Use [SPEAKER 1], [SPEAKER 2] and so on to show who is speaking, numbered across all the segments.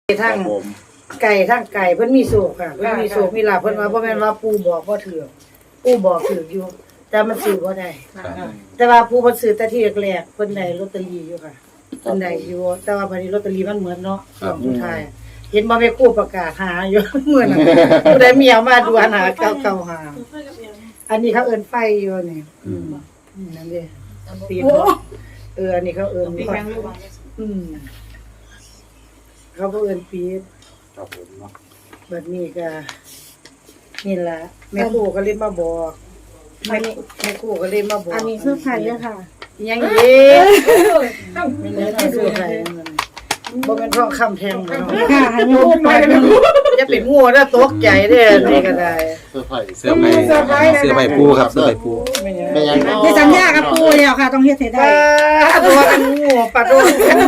[SPEAKER 1] ทั้งไก่เพิ่นมีโศกค่ะเพิ่นมีโศกมีลาภเพิ่นว่าบ่แม่นว่าปู่บอกบ่ถูกปู่บอกถูกอยู่แต่มันซื้อบ่ได้แต่ว่าปู่เพิ่นซื้อแต่ที่แรกๆเพิ่นได้ลอตเตอรี่อยู่ค่ะเพิ่นได้อยู่แต่ว่าบัดนี้ลอตเตอรี่มันเหมือนเนาะช่วงสุดท้ายเห็นบ่แม่ครูประกาศหาอยู่มื้อนั้นผู้ใดมีเอามาดูหา995หาอันนี้เขาเอิ้นไฟอยู่นี่นั่นเด้ปีนอันนี้เขาเอิ้นเขาบ่เอิ้นปีดครับผมเนาะบัดนี้ก็นี่ล่ะแม่ครูก็เลยมาบอกแม่ครูก็เลยมาบอก
[SPEAKER 2] อันนี้คือไผเด้อค่ะ
[SPEAKER 1] ยังอีกไม่ได้คือไผบ่แม่นทองคำแท่งเนาะ
[SPEAKER 2] ค่ะให้โยมไป
[SPEAKER 1] อย่าเป็นงูนะตกใจเด้อนี่ก็ได้
[SPEAKER 3] เสื้อไผ่ปูครับเสื้อไผ่ปู
[SPEAKER 2] เป็นหยังที่สัญญากับปู่แล้วค่ะต้องเฮ็ดให้ได้
[SPEAKER 1] ตัวเป็นงูปะโด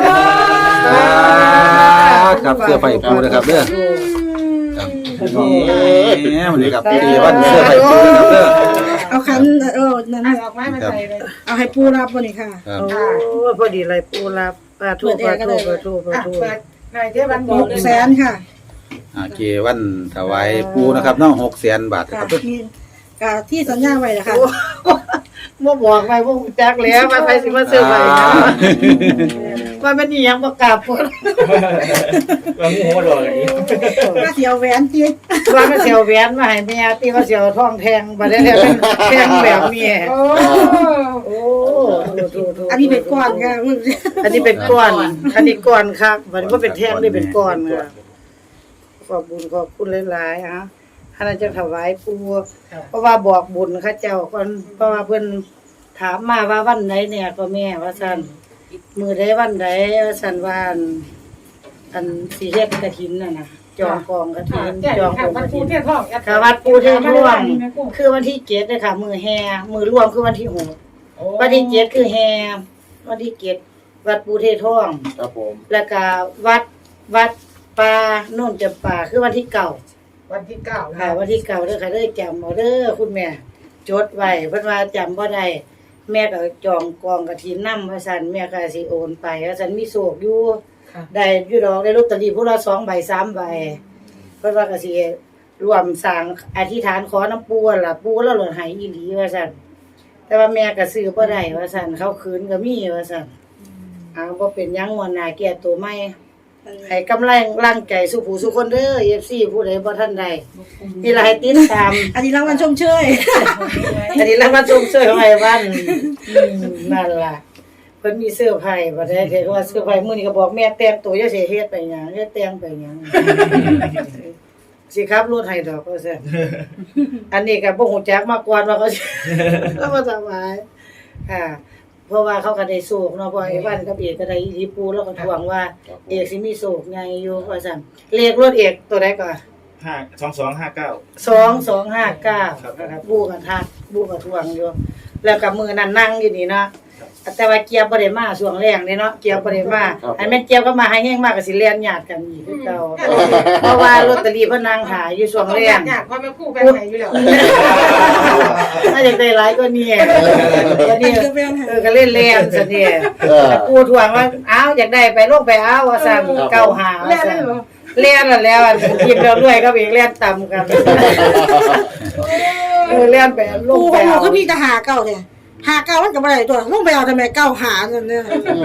[SPEAKER 3] ครับเสื้อไผ่ปูนะครับเด้อครับนี่มันนี่ครับดีวันเสื้อไผ่ปูนะครับเด้อ
[SPEAKER 2] เอาคันนั่นออกมาใส่เลยเอาให้ปู่รับบ่นี่ค่ะ
[SPEAKER 1] โอ้พอดีเลยปู่รับถูกนายเทวันบอก
[SPEAKER 2] 600,000ค่ะ
[SPEAKER 3] เกวันถวายปูนะครับเนาะ600,000 บาทครับ
[SPEAKER 2] ที่สัญญาไว้นะคะ
[SPEAKER 1] บ่บอกไว้บ่ฮู้จักแล้วว่าไปสิมาซื้อไว้ว่ามันอีหยังบ่กล้าพูด
[SPEAKER 4] ว่างูบ่ดอกอันนี้
[SPEAKER 2] ว่าสิเอาแหวนติ
[SPEAKER 1] ว่ามันสิเอาแหวนมาให้แม่ติว่าสิเอาทองแทงบ่ได้แล้วแทงแบบนี้โอ้
[SPEAKER 2] อันนี้เป็นก้อนค่ะ
[SPEAKER 1] อันนี้เป็นก้อนอันนี้ก้อนครับมันบ่เป็นแทงนี่เป็นก้อนค่ะขอบบุญขอบคุณหลายๆฮะอันนั้นจะถวายปู่เพราะว่าบอกบุญเขาเจ้าก่อนเพราะว่าเพิ่นถามมาว่าวันไหนเนี่ยก็แม่ว่าซั่นมื้อใดวันใดว่าซั่นว่าอันสิเฮ็ดกฐินน่ะนะจองกองกฐินจองกองกฐินค่ะวัดปู่เทพร่วงคือวันที่7เด้อค่ะมื้อแห่มื้อร่วมคือวันที่6วันที่7คือแห่วันที่7วัดปู่เทพร่วง
[SPEAKER 3] ครับผม
[SPEAKER 1] แล้วก็วัดป่าโน่นจำปาคือวันที่9
[SPEAKER 4] วันที่9
[SPEAKER 1] ค่ะวันที่9เด้อค่ะเด้อจำเอาเด้อคุณแม่จดไว้เพิ่นว่าจำบ่ได้แม่ก็จองกองกฐินนำว่าซั่นแม่ก็สิโอนไปว่าซั่นมีโชคอยู่ได้อยู่ดอกได้ลอตเตอรี่ผู้ละ2ใบ3ใบเพิ่นว่าก็สิร่วมสร้างอธิษฐานขอน้ำปู่ล่ะปู่แล้วหล่นให้อีหลีว่าซั่นแต่ว่าแม่ก็ซื้อบ่ได้ว่าซั่นเขาคืนก็มีว่าซั่นบ่เป็นหยังงวดหน้าแก้ตัวใหม่ให้กำลังใจสู่ผู้สู่คนเด้อ FC ผู้ใดบ่ทันได้นี่ล่ะให้ติดตาม
[SPEAKER 2] อันนี้รางวัลชมเชย
[SPEAKER 1] อันนี้รางวัลชมเชยของไอ้วันนั่นล่ะเพิ่นมีเสื้อไผ่บ่ได้เฮ็ดว่าเสื้อไผ่มื้อนี้ก็บอกแม่แต่งตัวอย่าสิเฮ็ดไปหยังอย่าแต่งไปหยังสิขับรถให้ดอกว่าซั่นอันนี้ก็บ่ฮู้จักมาก่อนว่าเขาแล้วบ่สบายค่ะเพราะว่าเขาก็ได้โศกเนาะเพราะไอ้วันกับเอกก็ได้อีหลีปูแล้วก็ทวงว่าเอกสิมีโศกใหญ่อยู่ว่าซั่นเลขรถเอกตัวใดก่อน
[SPEAKER 4] 2259
[SPEAKER 1] นะครับปูก็ทักปูก็ทวงอยู่แล้วก็มื้อนั้นนั่งอยู่นี่เนาะแต่ว่าเกียบบ่ได้มาช่วงแรงเด้เนาะเกียบบ่ได้มาอันแม่นเกียบก็มาให้แฮงมากก็สิเรียนญาติกันอีกคือเก่าเพราะว่าลอตเตอรี่เพิ่นนั่งหาอยู่ช่วงแรง
[SPEAKER 4] ญาติพ่อแม่ครูแบ่งให้อยู่แล้ว
[SPEAKER 1] ถ้าอยากได้หลายก็นี่ก็นี่ก็เล่นแรงซะนี่แต่ปูทวงว่าอ้าวอยากได้ไปลงไปเอาว่าซั่น95ว่าซั่นเรียนแล้วกินแล้วรวยก็อีกเรียนต่ำกันเรียนไปลงไปเอา
[SPEAKER 2] ก็มีแต่หาเก่าเนี่ยหาเก่ามันก็บ่ได้ตัวลงไปเอาทำไมเก่าหานั่นเนี่ย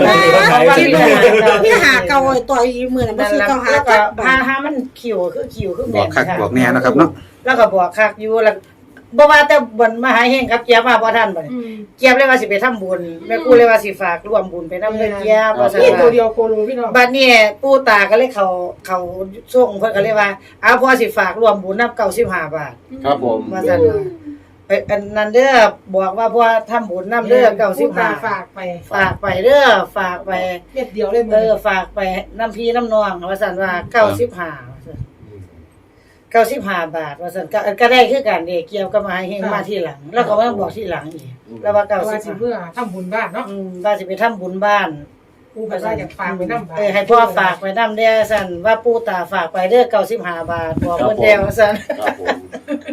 [SPEAKER 2] มีหาเก่าตัวอีมื้อนั้นบ่สิเก่าหา
[SPEAKER 1] ก็หามันคิวคือ
[SPEAKER 3] บอกคักบอกแน่นะครับเนาะ
[SPEAKER 1] แล้วก็บอกคักอยู่แล้วบ่ว่าแต่บนมหาเฮงครับเจี๊ยบมาบ่ทันบ่เจี๊ยบเลยว่าสิไปทำบุญแม่ครูเลยว่าสิฝากร่วมบุญไปนำเด้อเจี๊ยบว่าซั่น
[SPEAKER 4] ตัวเดียวโคโลพี่น้อง
[SPEAKER 1] บัดนี้ปู่ตาก็เลยเขาส่งเพิ่นก็เลยว่าอ้าวพ่อสิฝากร่วมบุญนำ95 บาท
[SPEAKER 3] ครับผม
[SPEAKER 1] ว่าซั่นอันนั้นเด้อบอกว่าพ่อทำบุญนำเด้อ95
[SPEAKER 4] ฝาก
[SPEAKER 1] ไปเด้อฝากไป
[SPEAKER 4] เม็ดเดียวเลย
[SPEAKER 1] ฝากไปน้ำพี่น้ำนองว่าซั่นว่า95บาทว่าซั่นก็ได้คือกันเด้เกี่ยวกับมาให้เฮงมาทีหลังแล้วก็มาบอกทีหลังอีกแล้วว่า
[SPEAKER 4] 95เพื่อทำบุญบ้านเนาะ
[SPEAKER 1] ว่าสิไปทำบุญบ้าน
[SPEAKER 4] ปู่ก็อยากฝากไปนำ
[SPEAKER 1] ให้พ่อฝากไปนำเด้อซั่นว่าปู่ตาฝากไปเด้อ95 บาทบอกเพิ่นแล้วซั่น
[SPEAKER 3] ครับผม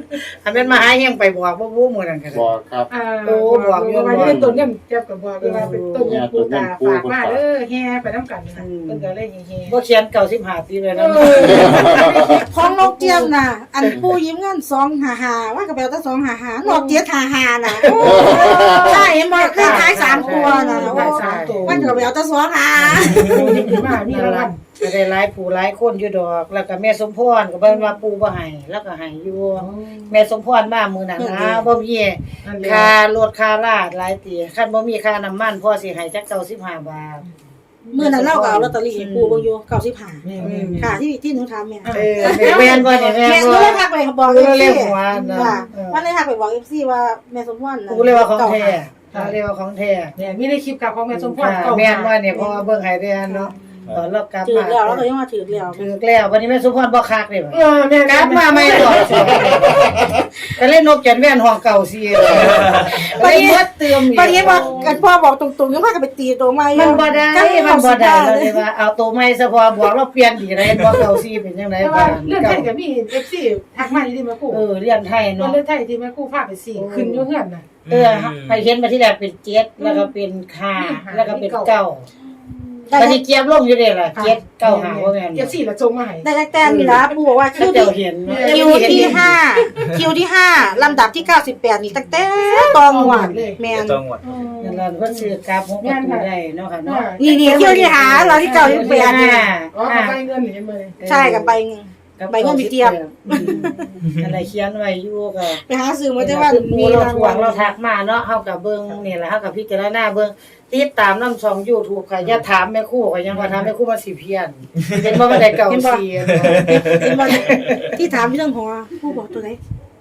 [SPEAKER 1] อันนั้นมาหาเฮียงไปบอกบ่มื้อนั้นก็
[SPEAKER 5] บอกครับ
[SPEAKER 4] บอกอยู่ว่าเป็นต้นเงินเจ็บกับบอกว่าเป็นต้นเงินปูตาฝากมาเด้อแห่ไปน้ำกันนะเพิ่นก็เลยแห่
[SPEAKER 1] บ่เขียน95ปีเลยนะ
[SPEAKER 2] ของนกเจี๊ยบน่ะอันปูยิ้มเงิน255ว่าก็แปลว่า255นกเจี๊ยบ55น่ะใช่บ่คือท้าย3ตัวน่ะ
[SPEAKER 4] ได้สามตัว
[SPEAKER 2] มันก็แปลว่า25
[SPEAKER 4] ปูยิ้มมามีรางวัล
[SPEAKER 1] ก็ได้หลายผู้หลายคนอยู่ดอก แล้วก็แม่สมพรก็เบิ่นว่าปู่บ่ให้แล้วก็ให้อยู่แม่สมพรมามื้อนั้นนะบ่มีค่ารถค่าลาดหลายตีคันบ่มีค่าน้ำมันพ่อสิให้จัก95 บาท
[SPEAKER 2] มื้อนั้นเราก็เอาลอตเตอรี่ให้ปูเบิ่งอยู่95ค่ะที่หนูถามแม่
[SPEAKER 1] แม่นบ่เนี่ยแม่
[SPEAKER 2] แม่
[SPEAKER 1] น
[SPEAKER 2] หนู
[SPEAKER 1] บ่
[SPEAKER 2] เลยทักไปบอก
[SPEAKER 1] เรียกหัวนะ
[SPEAKER 2] ค่ะมันเลยทักไปบอก FC ว่าแม่สมพรน่ะ
[SPEAKER 1] กูเรียกว่าของแท้เรียกว่าของแท้
[SPEAKER 4] เนี่ยมีในคลิปกับของแม่สมพร
[SPEAKER 1] แม่นว่าเนี่ยเพราะว่าเบิ่งให้ได้เนาะตอนเรากลับ
[SPEAKER 2] ถือ
[SPEAKER 1] มา
[SPEAKER 2] แล้วเราก็ยังมาถือแล้ว
[SPEAKER 1] ถือแล้ววันนี้แม่สุพรบ่คักเด้บ่
[SPEAKER 4] แม่
[SPEAKER 1] กลับมาไม่ตอบก็เล่นนกจันแว่นห้องเก่าซีเลยไปหมดเติม
[SPEAKER 2] วันนี้ว่ากันพ่อบอกตรงๆยังพากันไปตีตัวใหม่
[SPEAKER 1] มันบ่ได้มันบ่ได้เราเลยว่าเอาตัวใหม่ซะพอบอกเราเปลี่ยนดีได้บ่เก่าซีเป็นจังได๋
[SPEAKER 4] แต่ว่าเรื่องไทยกับมี FC ทักมาที่แม่ครู
[SPEAKER 1] เรียนไทย
[SPEAKER 4] เนาะ
[SPEAKER 1] เนาะ
[SPEAKER 4] เรื่องไทยที่แม่ครูพาไป4ขึ้นอยู่เฮือนน่ะ
[SPEAKER 1] ไปเห็นมาที่แรกเป็น7แล้วก็เป็น5แล้วก็เป็น9ตอนนี้เกียบลงอยู่เด้ล่ะ7 9 5ว่าแม่น
[SPEAKER 4] FC ละจงมาให้
[SPEAKER 2] ได้แต้มนี่ล่ะปู่บอกว่าคิว
[SPEAKER 1] เจ้าเห็น
[SPEAKER 2] ที่5ลำดับที่98นี่ตั้งแต่ตองหวดแม่น
[SPEAKER 3] จังหวัด
[SPEAKER 1] นั่นล่ะเพิ่นซื้อกราฟ6ประตูได้เนาะค่ะเนาะ
[SPEAKER 2] นี่คิวที่หาเราที่98นี่
[SPEAKER 4] อ๋อไปเงินเห็นบ่เลย
[SPEAKER 2] ใช่กับใบเงินใบเงินมีเทียบ
[SPEAKER 1] อะไรเขียนไว้อยู่ก็
[SPEAKER 2] ไปหาซื้อมาแต่ว่า
[SPEAKER 1] มี
[SPEAKER 2] มี
[SPEAKER 1] เรา
[SPEAKER 2] ราง
[SPEAKER 1] ทว
[SPEAKER 2] วั
[SPEAKER 1] ง
[SPEAKER 2] ล
[SPEAKER 1] เราทักมาเนาะเฮาก็เบิ่งนี่แหละเฮาก็พิจารณาเบิ่งติดตามนำช่อง YouTube ค่ะอย่าถามแม่ครูก็ยังว่าถามแม่ครูมาสิเพี้ยนเห็นบ่ว่าได้เก่าเสีย
[SPEAKER 2] เป็นวันที่ถามพี่เรื่องหัวผู้บอกตัวไหน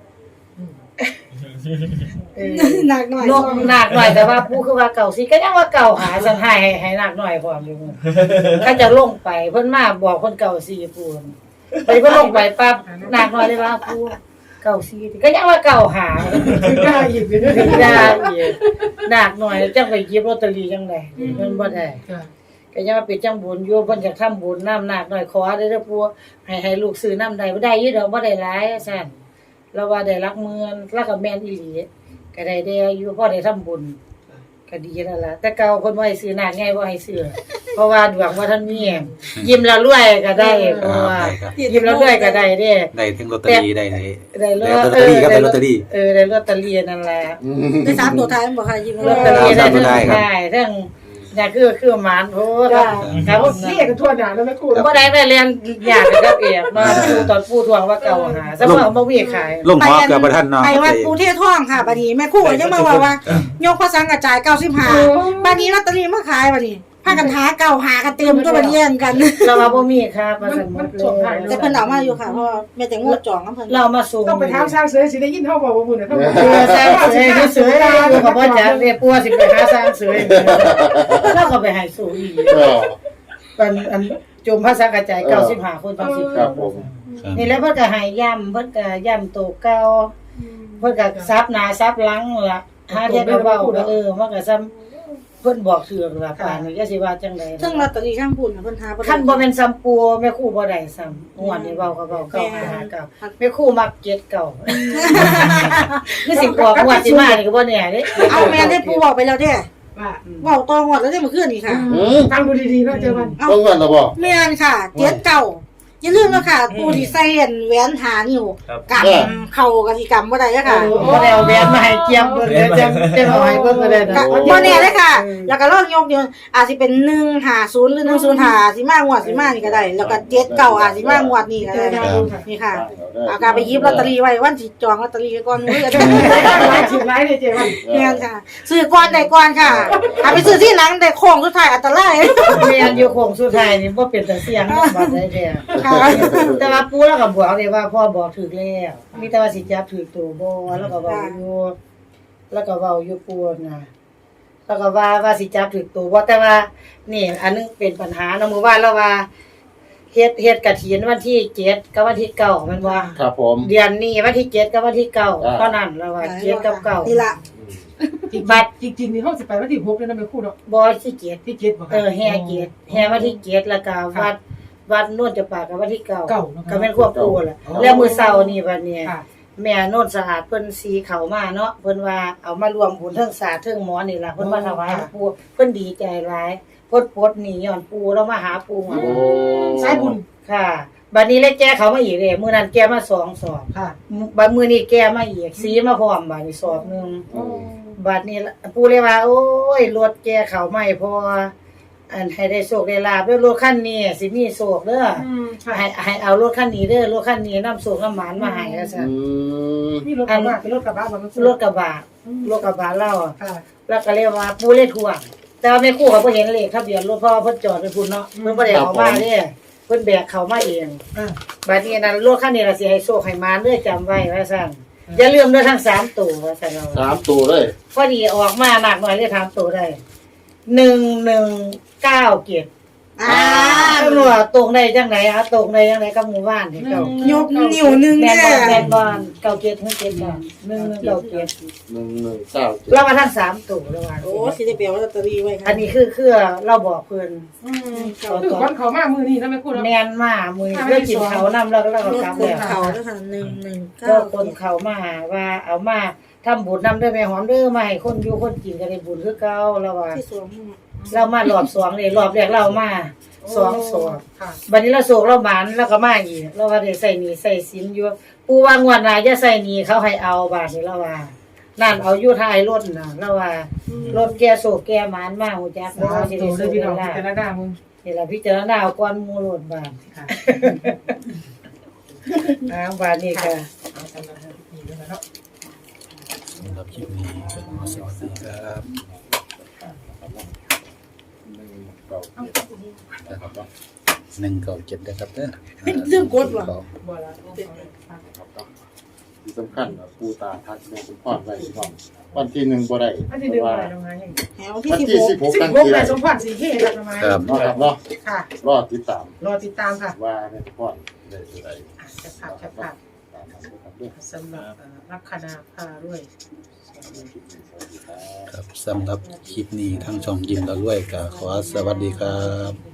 [SPEAKER 2] หนักหน่อย
[SPEAKER 1] นกหนักหน่อยแต่ว่าผู้คือว่าเก่าสิก็ยังว่าเก่าหาสันให้หนักหน่อยพร้อมอยู่ถ้าจะลงไปเพิ่นมาบอกเพิ่นเก่าสิปูนไปเพิ่นลงไปปั๊บหนักหน่อยเลยว่าผู้เก่าสิก็ยังว่าเก่าหา
[SPEAKER 4] ได้อีกเลย
[SPEAKER 1] ถึงได้หนักหน่อยจังไปหยิบลอตเตอรี่จังได๋มันบ่ได้ก็ยังว่าเป็นจังบุญอยู่เพิ่นจะทำบุญน้ำหนักหน่อยขอได้เด้อปู่ให้ลูกซื้อน้ำใดบ่ได้อยู่ดอกบ่ได้หลายซั่นแล้วว่าได้รักเมือนแล้วก็แม่นอีหลีก็ได้อยู่พอได้ทำบุญก็ดีแล้วล่ะแต่เก่าเพิ่นบ่ให้ซื้อหนักไงบ่ให้ซื้อเพราะว่าดวงบ่ทันมียิ้มแล้วรวยก็ได้เพราะว่ายิ้มแล้วรวยก็ได้เด้
[SPEAKER 3] ได้ทั้งลอตเตอรี่ได้
[SPEAKER 1] ได้ล
[SPEAKER 3] ลอตเตอรี่ครับได้ลอตเตอรี่
[SPEAKER 1] ได้ลอตเตอรี่นั่นแหละ
[SPEAKER 2] ได้3ตัวท้ายบอกค่ะยิ้ม
[SPEAKER 1] ลอตเตอรี่ได้ทั้งได้ทั้งนี่คือหมานโพครับ
[SPEAKER 4] เรียกกันทั่วหน้าแล้วแม่ครู
[SPEAKER 1] บ่ได้เรียนยากกับเอกมาตอนปู่ทวงว่าเก่าหาซะว่าบ่มีขาย
[SPEAKER 3] ลงหอเกือบบ่ทันเนาะ
[SPEAKER 2] ไปวัดปูเทศท่องค่ะบัดนี้แม่ครู่ยังมาว่ายกพระสังกระจาย95บัดนี้ลอตเตอรี่มาขายบัดนี้พากันหาเก่าหากันเต็มตัวบัดนี้กัน
[SPEAKER 1] เราว่าบ่มีครับว่าซั่นหมดเลย
[SPEAKER 2] แต่เพิ่นเอามาอยู่ค่ะเพราะแม่แต่งวดจองนำเพิ่น
[SPEAKER 1] เรามาส่ง
[SPEAKER 4] ต้องไปถามช้างเสือสิได้ยินเฮาบอกว่าบุญน่ะเฮาบอก
[SPEAKER 1] สร้างเสือเสืออยู่กับพ่อจ๋าเรียกปัวสิไปหาสร้างเสือแล้วก็ไปให้สู่อีกอันจมภาษากระจาย95คนตอน10
[SPEAKER 5] ครับผม
[SPEAKER 1] นี่แล้วเพิ่นก็ให้ย่ำเพิ่นก็ย่ำโตเก่าเพิ่นก็ซับหน้าซับหลังล่ะหาเฮ็ดเบาๆก็มันก็ซ้ำเพิ่นบอกถือล่ะป่านนี้จะสิว่าจังได๋
[SPEAKER 2] ซึ่งลอตเตอรี่ข้างพุ่นเพิ่นหา
[SPEAKER 1] คันบ่แม่นซ้ำปัวแม่ครูบ่ได้ซ้ำงวดนี้เว้าก็เว้าเก่าหาเก่าแม่ครูมัก7เก่าคือสิบอกงวดสิมานี่ก็บ่แน่เด้
[SPEAKER 2] เอาแม่ได้ปูบอกไปแล้วเด้
[SPEAKER 4] ว่า
[SPEAKER 2] เว้าต่องวดแล้วได้มาคืนนี่ค่ะ
[SPEAKER 4] ฟังดูดีๆเนาะเจอมัน
[SPEAKER 5] ต้องเงินแล้วบ่
[SPEAKER 2] แม่นค่ะ7เก่าอย่าลืมนะค่ะปูที่ใส่แหวนหานิ้วกำเข้ากสิกรรมบ่ได้ค่ะ
[SPEAKER 1] บ่ได้เอาแหวนมาให้เกียมเบิ่งเดี๋ยวจะเอาให้เบิ่งก็ได้นะ
[SPEAKER 2] บ่แน่เลยค่ะ แล้วก็ลองยกเดียวอาจสิเป็น150หรือ105สิมางวดสิมานี่ก็ได้ แล้วก็7เก่าอาจสิมางวดนี้ก็ได้นี่ค่ะเอาการไปหยิบลอตเตอรี่ไว้วันสิจองลอตเตอรี่ก่อนมื้อจะ
[SPEAKER 4] หลายสิบหลายเลยเจมัน
[SPEAKER 2] แม่นค่ะซื้อก่อนได้ก่อนค่ะเอาไปซื้อที่หลังได้โค้งสุดท้ายอันตราย
[SPEAKER 1] แม่นอยู่โค้งสุดท้ายนี่บ่เป็นตาเสียงบัดได้แท้
[SPEAKER 2] ค่ะ
[SPEAKER 1] แต่ว่าปู่แล้วก็บอกเลยว่าพ่อบอกถูกแล้วมีแต่ว่าสิจับถูกตัวบ่แล้วก็เว้าอยู่ปู่น่ะแล้วก็ว่าสิจับถูกตัวบ่แต่ว่านี่อันนึงเป็นปัญหาเนาะมื้อวานแล้วว่าเฮ็ดกฐินวันที่7กับวันที่9แม่นบ่
[SPEAKER 5] ครับผม
[SPEAKER 1] เดือนนี้วันที่7กับวันที่9เท่านั้นแล้วว่า7กับ9
[SPEAKER 2] นี่ล่ะ
[SPEAKER 1] บัด
[SPEAKER 4] จริงๆนี่เฮาสิไปวันที่6เลยนะแม่ครูเนาะ
[SPEAKER 1] บ่ที่7
[SPEAKER 4] ที่7บ่
[SPEAKER 1] แห่7แห่วันที่7แล้วก็วัดนวลจะปากกับวันที่9
[SPEAKER 4] เก้าเนาะ
[SPEAKER 1] ก็แม่นควบคู่แหละแล้วมื้อเช้านี่บัดนี้
[SPEAKER 4] ค่ะ
[SPEAKER 1] แม่โน่นสะอาดเพิ่นสีเขามาเนาะเพิ่นว่าเอามารวมบุญเทิงศาสตร์เทิงหมอนี่ล่ะเพิ่นมาถวายปู่เพิ่นดีใจหลายพดหนี่ย้อนปู่แล้วมาหาปู่
[SPEAKER 4] โอ้สายบุญ
[SPEAKER 1] ค่ะบัดนี้เลยแก้เขามาอีกเด้มื้อนั้นแก้มา2 สอบ
[SPEAKER 4] ค่ะ
[SPEAKER 1] บัดมื้อนี้แก้มาอีกสีมาพร้อมบัดนี้สอบนึงบัดนี้ปู่เลยว่าโอ้ยรถแก้เขาใหม่พออันให้ได้โชคได้ลาภเด้อรถคันนี้สิมีโชคเด้อ
[SPEAKER 4] ค่ะ
[SPEAKER 1] ให้เอารถคันนี้เด้อรถคันนี้นำโชคนำหมานมาให้ว่าซั่น
[SPEAKER 4] นี่รถกระบะเป็นรถกระบะบ่มัน
[SPEAKER 1] รถกระบะเล่า
[SPEAKER 4] ค่ะ
[SPEAKER 1] แล้วก็เรียกว่าปู่เลยทวงแต่ว่าแม่ครูเขาบ่เห็นเลขทะเบียนรถเพราะว่าเพิ่นจอดไว้พุ่นเนาะเพิ่นบ่ได้เอามาเด้เพิ่นแบกเขามาเอง
[SPEAKER 4] อ่า
[SPEAKER 1] บัดนี้นั้นรถคันนี้ล่ะสิให้โชคให้หมานเด้อจำไว้ว่าซั่นอย่าลืมเด้อทั้ง3ตัวว่าซั่นเอา
[SPEAKER 5] 3ตัวเลย
[SPEAKER 1] พอดีออกมามากหน่อยเลย3ตัวได้1197 ตำรวจตรงได้จังไหนอะตรงได้จังไหนกับหมู่บ้านที่เก่าย
[SPEAKER 2] กนิ้วหนึง
[SPEAKER 1] แม่
[SPEAKER 2] เนี่ย
[SPEAKER 1] นแม่นบ้านเก่าเจ็ดเพิ่นเจ็ดบ้าน1197
[SPEAKER 5] 1197
[SPEAKER 1] เรามาทั้ง3ตัวแล้วว่า
[SPEAKER 2] โอ้สิได้ไปเอาลอตเตอรี่ไว้ค่ะ
[SPEAKER 1] อันนี้คือเราบอกเพิ่น
[SPEAKER 4] คือวันเขามามือนี้แล้วแม่คุณ
[SPEAKER 1] แม่นมามื้อนี้เพื่อกินเขาวนำแล้วก็
[SPEAKER 2] รถ
[SPEAKER 1] กลับ
[SPEAKER 2] คน
[SPEAKER 1] แล้ว
[SPEAKER 2] เขาด้วยค่ะ
[SPEAKER 1] ก็
[SPEAKER 2] 119
[SPEAKER 1] คนเขามาว่าเอามาทำบุญนำเด้อแม่หอมเด้อมาให้คนอยู่คนกินก็ได้บุญคือเก่าแล้วว่า
[SPEAKER 2] ที่สวม
[SPEAKER 1] เรามารอบ2นี่รอบแรกเรามา2
[SPEAKER 4] ค่ะ
[SPEAKER 1] บัดนี้เราโศกเราหมานแล้วก็มาอีกเราว่าได้ใส่หนี้ใส่สินอยู่ปู่ว่างวดหน้าจะใส่หนี้เขาให้เอาบาดนี้เราว่านั่นเอาอยู่ท้ายรถน่ะเราว่ารถแกโศกแกหมานมาฮู้จัก
[SPEAKER 4] สา
[SPEAKER 1] เนาะสิ
[SPEAKER 4] ธุ
[SPEAKER 1] ได้
[SPEAKER 4] เลย
[SPEAKER 1] โศก
[SPEAKER 4] พี่น้อง
[SPEAKER 1] ได้
[SPEAKER 4] พิจารณามึง
[SPEAKER 1] นี่ล่ะพิจารณาเอาก่อนหมู่รถบาด
[SPEAKER 4] ค่ะ
[SPEAKER 1] บาดนี้ค่ะ
[SPEAKER 4] เอาสำหรับนี่ด้วยเนาะ
[SPEAKER 3] สำหรับคลิปนี้ก็ขอสวัสดีครับ 197นะครับเด้อ
[SPEAKER 2] เรื่องกดว่ะ
[SPEAKER 4] บ่ละ
[SPEAKER 5] ที่สำคัญปูตาทักแม่คุณพ่อไว้พี่น้องวันที่1บ่ได้
[SPEAKER 4] อันที่1อะไรตรงนั้น
[SPEAKER 2] แถวที่
[SPEAKER 5] วันที่
[SPEAKER 2] 16
[SPEAKER 5] 16กัน
[SPEAKER 4] 16
[SPEAKER 5] ที
[SPEAKER 4] แม่
[SPEAKER 5] ได้
[SPEAKER 4] สมพรสีเขีครับประมาณ
[SPEAKER 3] ครับ
[SPEAKER 5] เนาะครับเนาะ
[SPEAKER 4] ค่ะ
[SPEAKER 5] รอติดตาม
[SPEAKER 4] รอติดตามค่ะ
[SPEAKER 5] ว่าแม่คุณพ่อได้สิได้
[SPEAKER 4] จะภาพจะภาพ
[SPEAKER 5] ตามนั้นนะครับเด้อ
[SPEAKER 4] สำหรับลัคนาพารวย
[SPEAKER 5] สวัสดีครับ
[SPEAKER 3] ครับสำหรับคลิปนี้ทั้งช่องยิ้มและรวยก็ขอสวัสดีครับ